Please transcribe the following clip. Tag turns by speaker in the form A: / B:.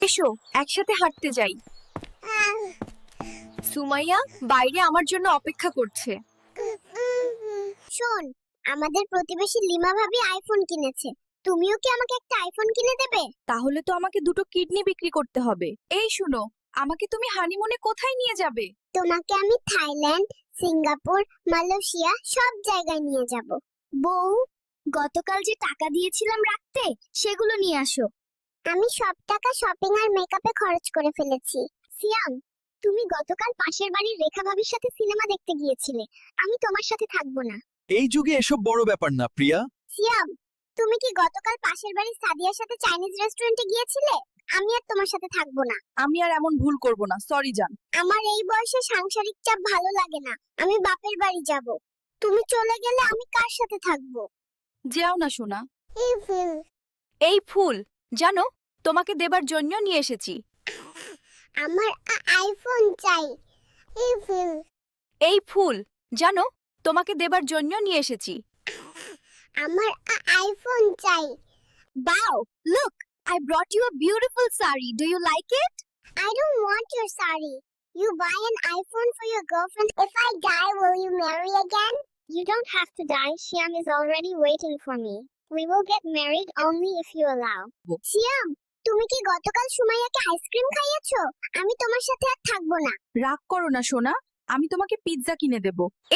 A: এসো একসাথে হাঁটতে যাই। সুমাইয়া বাইরে আমার জন্য অপেক্ষা করছে।
B: শোন, আমাদের প্রতিবেশী লিমা ভাবি আইফোন কিনেছে। তুমিও কি আমাকে একটা আইফোন কিনে দেবে?
A: তাহলে তো আমাকে দুটো কিডনি বিক্রি করতে হবে। এই শুনো, আমাকে তুমি হানিমুনে কোথায় নিয়ে যাবে?
B: তোমাকে আমি থাইল্যান্ড, সিঙ্গাপুর, মালয়েশিয়া সব জায়গায় নিয়ে যাব। বউ, গতকাল যে টাকা দিয়েছিলাম রাখতে, সেগুলো নিয়ে আসো। আমি সব টাকা শপিং আর মেকআপে খরচ করে ফেলেছি। সিয়াম, তুমি গতকাল পাশের বাড়ির রেখা ভাবির সাথে সিনেমা দেখতে গিয়েছিলে। আমি তোমার সাথে থাকবো না।
C: এই যুগে এসব বড় ব্যাপার না, প্রিয়া।
B: সিয়াম, তুমি কি গতকাল পাশের বাড়ির সাদিয়ার সাথে চাইনিজ রেস্টুরেন্টে গিয়েছিলে? আমি আর তোমার সাথে থাকবো না।
A: আমি আর এমন ভুল করব না, সরি জান।
B: আমার এই বয়সে সাংসারিক চাপ ভালো লাগে না। আমি বাপের বাড়ি যাব। তুমি চলে গেলে আমি কার সাথে থাকবো?
A: যেও না সোনা। এই ফুল জানো, তোমাকে দেবার জন্য নিয়ে এসেছি।
B: আমার আইফোন চাই।
A: এই ফুল জানো, তোমাকে দেবার জন্য নিয়ে এসেছি।
B: আমার আইফোন চাই।
A: Wow, look, I brought you a beautiful sari. Do you like it?
B: I don't want your sari. You buy an iPhone for your girlfriend. If I die, will you marry again? You don't have to die. Siam is already waiting for me. We will get married only if you allow. Siam, তুমি কি গতকাল সুমাইয়াকে ice cream খাইয়েছো? আমি তোমার সাথে আর থাকবো না।
A: রাগ করো না সোনা, আমি তোমাকে পিৎজা কিনে দেব।